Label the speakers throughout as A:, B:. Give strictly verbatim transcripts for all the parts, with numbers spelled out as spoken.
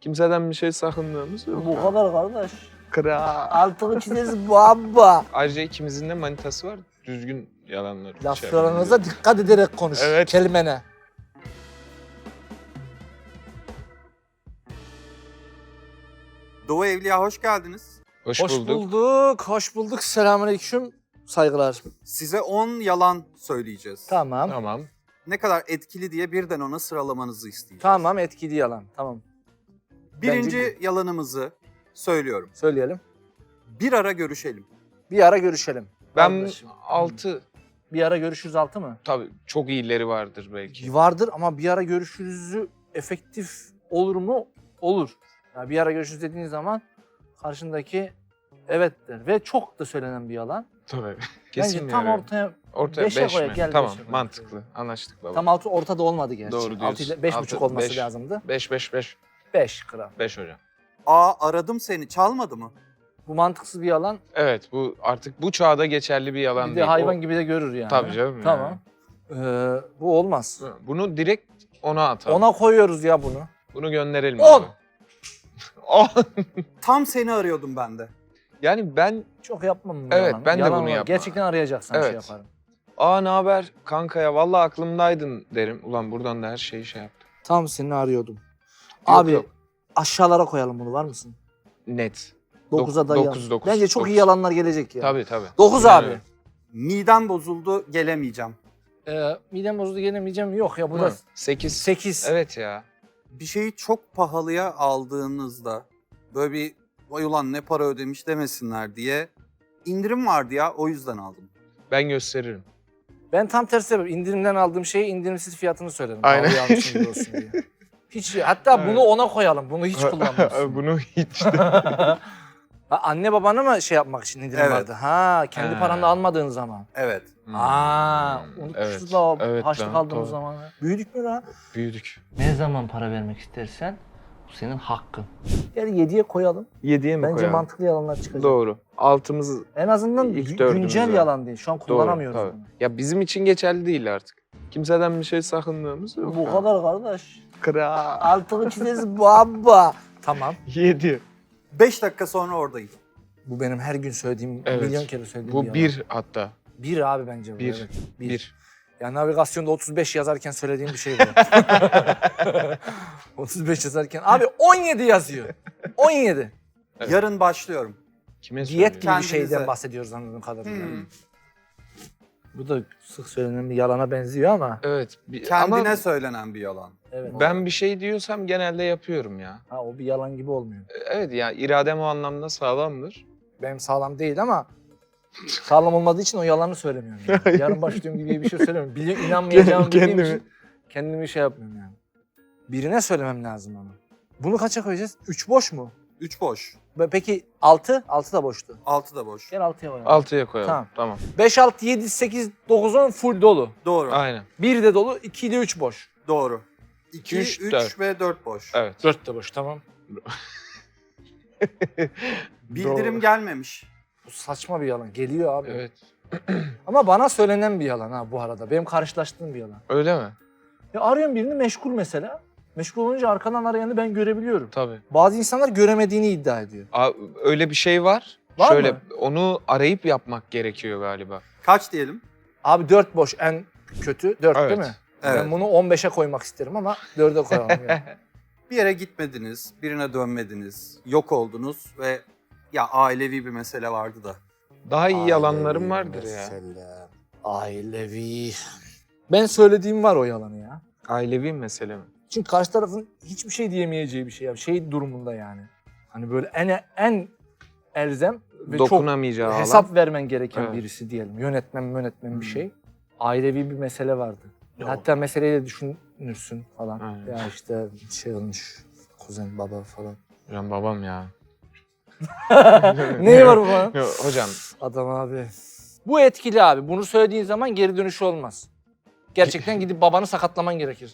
A: Kimseden bir şey sakındığımız yok.
B: Bu kadar kardeş.
A: Kral.
B: Altını çizeriz baba.
A: Ayrıca ikimizin de manitası var. Düzgün yalanlar.
B: Laflarınıza dikkat ederek konuş.
A: Evet.
B: Kelimene.
C: Doğu Evliya hoş geldiniz.
A: Hoş,
B: Hoş
A: bulduk.
B: bulduk. Hoş bulduk. Selamünaleyküm. Saygılar.
C: Size on yalan söyleyeceğiz.
B: Tamam.
A: Tamam.
C: Ne kadar etkili diye birden ona sıralamanızı isteyeceğiz.
B: Tamam, etkili yalan. Tamam.
C: Birinci
B: Bence-
C: yalanımızı söylüyorum.
B: Söyleyelim.
C: Bir ara görüşelim.
B: Bir ara görüşelim.
A: Ben
B: Kardeşim.
A: altı.
B: Bir ara görüşürüz altı mı?
A: Tabii çok iyileri vardır belki.
B: Vardır ama bir ara görüşürüzü efektif olur mu? Olur. Yani bir ara görüşürüz dediğin zaman karşındaki evet der. Ve çok da söylenen bir yalan.
A: Tabii. Kesin
B: Bence tam
A: yani.
B: ortaya
A: Ortaya
B: beşe
A: beş
B: koyak,
A: mi?
B: gel
A: Tamam
B: beşe koyak.
A: mantıklı. Anlaştık baba.
B: tam altı ortada olmadı gerçi.
A: Doğru diyorsun.
B: altı ile beş
A: Altı,
B: buçuk olması
A: beş.
B: lazımdı.
A: Beş, beş, beş.
B: beş kral.
A: Beş hocam.
C: Aa aradım seni çalmadı mı?
B: Bu mantıksız bir yalan.
A: Evet bu artık bu çağda geçerli bir yalan
B: Bir de
A: değil.
B: hayvan
A: O-
B: gibi de görür yani.
A: Tabii canım.
B: Tamam. Ee, bu olmaz.
A: yani. Bunu direkt ona atalım.
B: Ona koyuyoruz ya bunu.
A: Bunu gönderelim.
B: On.
A: abi. On.
C: Tam seni arıyordum ben de.
A: Yani ben
B: Çok yapmam bu
A: Evet,
B: yalanı.
A: ben de
B: Yalan
A: bunu
B: var.
A: yapmam.
B: Gerçekten arayacaksan şey
A: Evet.
B: yaparım.
A: aa ne haber kanka ya vallahi aklımdaydın derim. Ulan buradan da her şeyi şey yaptım.
B: Tam seni arıyordum. Abi
A: yok.
B: aşağılara koyalım bunu, var mısın?
A: Net.
B: dokuza
A: Dok-
B: dayayalım.
A: dokuz, dokuz,
B: Bence çok
A: dokuz.
B: iyi yalanlar gelecek ya.
A: Tabii tabii.
B: dokuz
A: Yani
B: abi.
C: Midem bozuldu gelemeyeceğim.
B: Ee, midem bozuldu gelemeyeceğim. Yok ya bu da
A: Hı, Sekiz.
B: sekiz.
A: Evet ya.
C: Bir şeyi çok pahalıya aldığınızda böyle bir vay ulan ne para ödemiş demesinler diye indirim vardı ya o yüzden aldım.
A: Ben gösteririm.
B: Ben tam tersi yapıyorum. İndirimden aldığım şeyi indirimsiz fiyatını söylerim.
A: Aynen.
B: Pahalı almışım gibi olsun diye. Hiç, hatta
A: Evet.
B: bunu ona koyalım. Bunu hiç kullanmıyorsun.
A: Bunu hiç.
B: Ha, anne babana mı şey yapmak için indirim
C: Evet.
B: vardı? Ha, kendi
A: Ha.
B: paranla almadığın zaman.
C: Evet.
B: Aa,
A: Hmm,
B: unutmuşuz
A: evet,
B: da
A: evet
B: haçlık
A: lan,
B: aldığımız
A: tabii.
B: zaman. Büyüdük mü lan?
A: Büyüdük.
B: Ne zaman para vermek istersen bu senin hakkın. Yani yediye koyalım.
A: Yediye mi
B: Bence
A: koyalım?
B: mantıklı yalanlar çıkacak.
A: Doğru. Altımız
B: En azından
A: İlk
B: gü-
A: dördümüz
B: güncel
A: var.
B: yalan değil. Şu an
A: doğru.
B: kullanamıyoruz
A: Tabii.
B: bunu.
A: Ya bizim için geçerli değil artık. Kimseden bir şey sakındığımız yok.
B: Bu
A: ya.
B: kadar kardeş.
A: Kral.
B: Altını çizeriz baba. Tamam.
A: Yedi.
C: Beş dakika sonra oradayım.
B: Bu benim her gün söylediğim,
A: Evet.
B: milyon kere söylediğim
A: Bu
B: bir yalan.
A: bir hatta.
B: Bir abi bence bu.
A: Bir.
B: Evet. Bir.
A: Bir.
B: Yani navigasyonda otuz beş yazarken söylediğim bir şey bu. otuz beş yazarken. Abi on yedi yazıyor. on yedi.
A: Evet.
C: Yarın başlıyorum.
A: Kime
B: Diyet
A: söylüyor?
B: gibi bir
C: Kendinize.
B: şeyden bahsediyoruz anladığım kadarıyla.
C: Hmm.
B: Bu da sık söylenen bir yalana benziyor ama.
A: Evet. Bir,
C: Kendine
A: ama
C: söylenen bir yalan.
B: Evet.
A: ben bir şey diyorsam genelde yapıyorum ya.
B: Ha, o bir yalan gibi olmuyor.
A: Evet ya iradem o anlamda sağlamdır.
B: Benim sağlam değil ama sağlam olmadığı için o yalanı söylemiyorum. Yani. Yarın başlıyorum gibi bir şey söylemiyorum. Biliyorum, inanmayacağımı bildiğim
A: Kendimi-
B: için kendimi şey yapmıyorum yani. Birine söylemem lazım ama. Bunu kaça koyacağız? Üç boş mu?
C: Üç boş.
B: Be- Peki altı? Altı da boştu.
C: Altı da boş.
B: Gel altıya koyalım.
A: Altıya koyalım.
B: Tamam.
A: Tamam.
B: beş, altı, yedi, sekiz, dokuz, on full dolu.
C: Doğru.
A: Aynen.
B: bir de dolu, iki ile üç boş.
C: Doğru. İki,
A: üç,
C: üç,
A: dört.
C: ve dört boş.
A: Evet.
B: dört de boş, tamam.
C: Bildirim
A: Doğru.
C: gelmemiş.
B: Bu saçma bir yalan. Geliyor abi.
A: Evet.
B: Ama bana söylenen bir yalan ha bu arada. Benim karşılaştığım bir yalan.
A: Öyle mi?
B: Ya arıyorum birini meşgul mesela. Meşgul olunca arkadan arayanı ben görebiliyorum.
A: Tabii.
B: Bazı insanlar göremediğini iddia ediyor.
A: Aa, öyle bir şey var.
B: Var
A: Şöyle
B: mı?
A: onu arayıp yapmak gerekiyor galiba.
C: Kaç diyelim?
B: Abi dört boş en kötü. dört
A: Evet.
B: değil mi?
C: Evet.
B: Ben bunu on beşe koymak isterim ama dörde koyalım. Yani.
C: Bir yere gitmediniz, birine dönmediniz, yok oldunuz ve ya ailevi bir mesele vardı da.
A: Daha iyi yalanlarım
B: Ailevi
A: vardır ya.
B: mesele. Ailevi. Ben söylediğim var o yalanı ya.
A: Ailevi mesele mi?
B: Çünkü karşı tarafın hiçbir şey diyemeyeceği bir şey. Yani şey durumunda yani. Hani böyle en en elzem ve çok
A: Dokunamayacağı alan.
B: hesap vermen gereken
A: Evet.
B: birisi diyelim. Yönetmen yönetmen
C: Hmm.
B: bir şey. Ailevi bir mesele vardı.
A: Yok.
B: Hatta meseleyi de düşünürsün falan.
A: Aynen.
B: Ya işte şey olmuş, kuzen baba falan.
A: Hocam babam ya.
B: Neyi var bu falan?
A: Yok, hocam
B: Adam abi. Bu etkili abi. Bunu söylediğin zaman geri dönüşü olmaz. Gerçekten gidip babanı sakatlaman gerekir.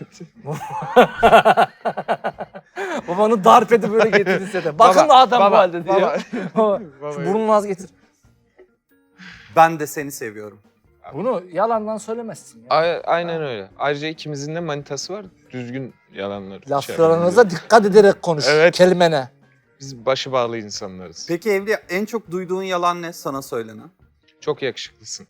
B: Babanı darp edip böyle getirirse de. Bakın
A: Baba,
B: da adam
A: baba,
B: bu halde diyor.
A: baba.
B: Baba,
A: Baba.
B: şu burnunu az getir.
C: Ben de seni seviyorum.
B: Bunu yalandan söylemezsin ya.
A: A- aynen öyle. Ayrıca ikimizin de manitası var. Düzgün yalanlar.
B: Laflarınıza dikkat ederek konuş.
A: Evet.
B: Kelimene.
A: Biz başı bağlı insanlarız.
C: Peki Evliya, en çok duyduğun yalan ne sana söylenen?
A: Çok yakışıklısın.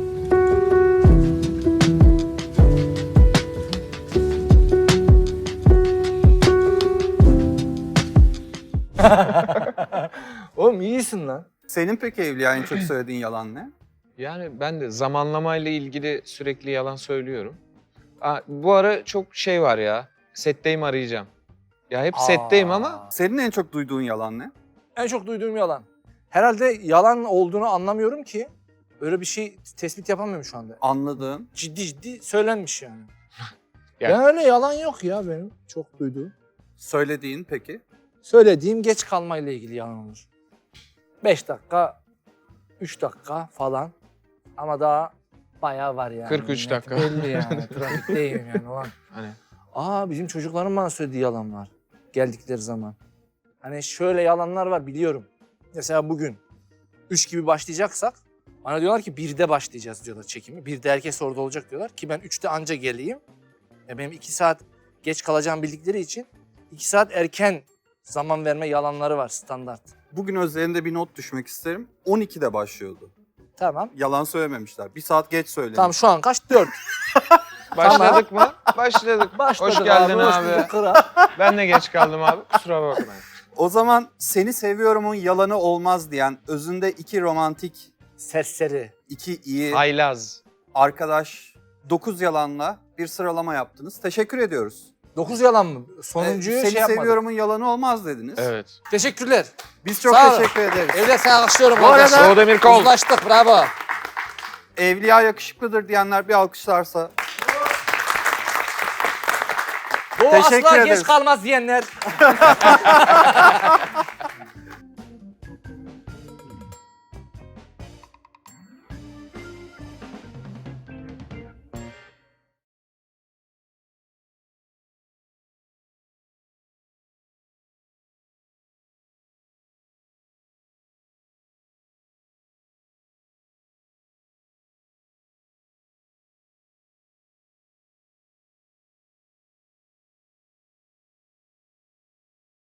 B: Oğlum iyisin lan.
C: Senin peki Evliya en çok söylediğin yalan ne?
A: Yani ben de zamanlamayla ilgili sürekli yalan söylüyorum. Aa, bu ara çok şey var ya. Setteyim arayacağım. Ya hep setteyim ama
C: Senin en çok duyduğun yalan ne?
B: En çok duyduğum yalan. Herhalde yalan olduğunu anlamıyorum ki. Öyle bir şey tespit yapamıyorum şu anda.
C: Anladığın.
B: Ciddi ciddi söylenmiş yani.
A: Yani-
B: Ben öyle yalan yok ya benim çok duyduğum.
C: Söylediğin peki?
B: Söylediğim geç kalmayla ilgili yalan olur. Beş dakika, üç dakika falan. Ama daha bayağı var yani.
A: kırk üç
B: Net
A: dakika.
B: Belli yani. Trafikteyim yani ulan.
A: Hani
B: Aa bizim çocukların bana söylediği yalanlar. Geldikleri zaman. Hani şöyle yalanlar var biliyorum. Mesela bugün üç gibi başlayacaksak bana diyorlar ki birde başlayacağız diyorlar çekimi. birde herkes orada olacak diyorlar ki ben üçte anca geleyim. Ya benim iki saat geç kalacağım bildikleri için iki saat erken zaman verme yalanları var standart.
C: Bugün üzerinde bir not düşmek isterim. on ikide başlıyordu.
B: Tamam.
C: Yalan söylememişler. Bir saat geç söylemiş.
B: Tamam şu an kaç? Dört.
A: başladık mı? Başladık.
B: Başladık
A: Hoş geldin
B: hoş
A: abi.
B: bulduk kral.
A: Ben de geç kaldım abi. Kusura bakma.
C: O zaman seni seviyorumun yalanı olmaz diyen, özünde iki romantik,
B: Serseri.
C: iki iyi
A: Haylaz.
C: arkadaş dokuz yalanla bir sıralama yaptınız. Teşekkür ediyoruz.
B: Dokuz yalan mı? Sonuncuyu
C: Ee, seni
B: şey yapmadık.
C: seviyorumun yalanı olmaz dediniz.
A: Evet.
B: Teşekkürler.
C: Biz çok
B: Sağ olun.
C: teşekkür ederiz.
B: Evde seni alkışlıyorum.
C: Bu arada-
B: arkadaşlar.
A: Doğu Demir Kol.
B: Uzlaştık bravo.
C: Evliya yakışıklıdır diyenler bir alkışlarsa.
B: Doğu
C: Teşekkür
B: asla
C: ederiz.
B: geç kalmaz diyenler.